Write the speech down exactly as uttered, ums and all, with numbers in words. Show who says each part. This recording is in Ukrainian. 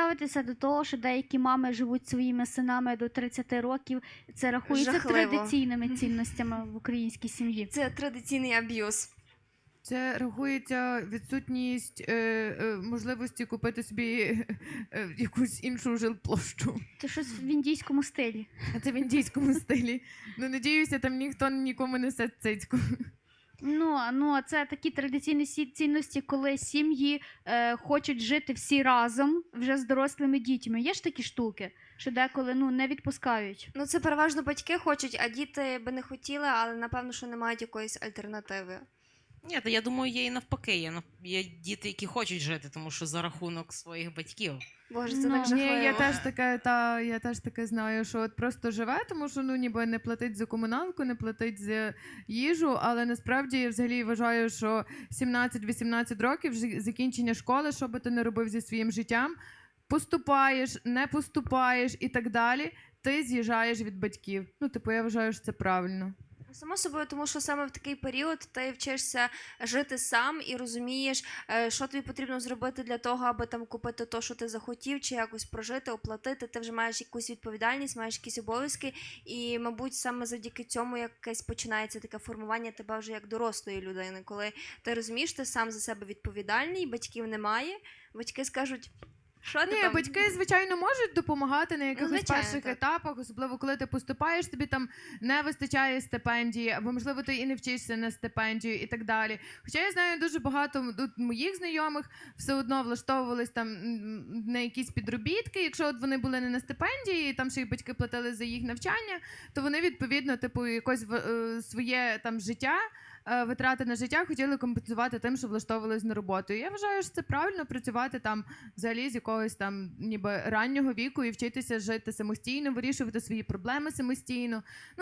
Speaker 1: ставитеся до того, що деякі мами живуть своїми синами до тридцяти років? Це рахується
Speaker 2: Жахливо.
Speaker 1: традиційними цінностями в українській сім'ї?
Speaker 2: Це традиційний аб'юз.
Speaker 3: Це рахується відсутність е, е, можливості купити собі е, якусь іншу жилплощу.
Speaker 1: Це щось в індійському стилі.
Speaker 3: А це в індійському стилі. Ну, надіюся, там ніхто нікому не несе цицьку.
Speaker 1: Ну, а- ну, а це такі традиційні сі- цінності, коли сім'ї е, хочуть жити всі разом вже з дорослими дітьми. Є ж такі штуки, що деколи ну, не відпускають.
Speaker 2: Ну, це переважно батьки хочуть, а діти би не хотіли, але напевно, що не мають якоїсь альтернативи.
Speaker 4: Ні, та я думаю, є і навпаки. Є, нав- є діти, які хочуть жити, тому що за рахунок своїх батьків.
Speaker 2: Боже, це
Speaker 1: Ну,
Speaker 2: так
Speaker 3: Ні,
Speaker 2: жахливо.
Speaker 3: я теж таке, та я теж таке знаю, що от просто живе, тому що ну ніби не платить за комуналку, не платить за їжу, але насправді я взагалі вважаю, що сімнадцять-вісімнадцять років ж- закінчення школи, що би ти не робив зі своїм життям, поступаєш, не поступаєш і так далі, ти з'їжджаєш від батьків. Ну, типу, я вважаю, що це правильно.
Speaker 2: Само собою, тому що саме в такий період ти вчишся жити сам і розумієш, е, що тобі потрібно зробити для того, аби там купити те, що ти захотів, чи якось прожити, оплатити. Ти вже маєш якусь відповідальність, маєш якісь обов'язки, і, мабуть, саме завдяки цьому якесь починається таке формування тебе вже як дорослої людини, коли ти розумієш, ти сам за себе відповідальний, батьків немає, батьки скажуть, що ти
Speaker 3: Ні,
Speaker 2: там?
Speaker 3: батьки, звичайно, можуть допомагати на якихось
Speaker 2: звичайно,
Speaker 3: перших
Speaker 2: так.
Speaker 3: етапах, особливо коли ти поступаєш, тобі там не вистачає стипендії, або, можливо, ти і не вчишся на стипендію і так далі. Хоча я знаю дуже багато тут моїх знайомих все одно влаштовувались там м, на якісь підробітки. Якщо от вони були не на стипендії, і там ще й батьки платили за їх навчання, то вони, відповідно, типу, якось в- е, своє там життя, е, витрати на життя хотіли компенсувати тим, що влаштовувались на роботу. І я вважаю, що це правильно працювати там взагалі з якогось там ніби раннього віку і вчитися жити самостійно, вирішувати свої проблеми самостійно. Ну,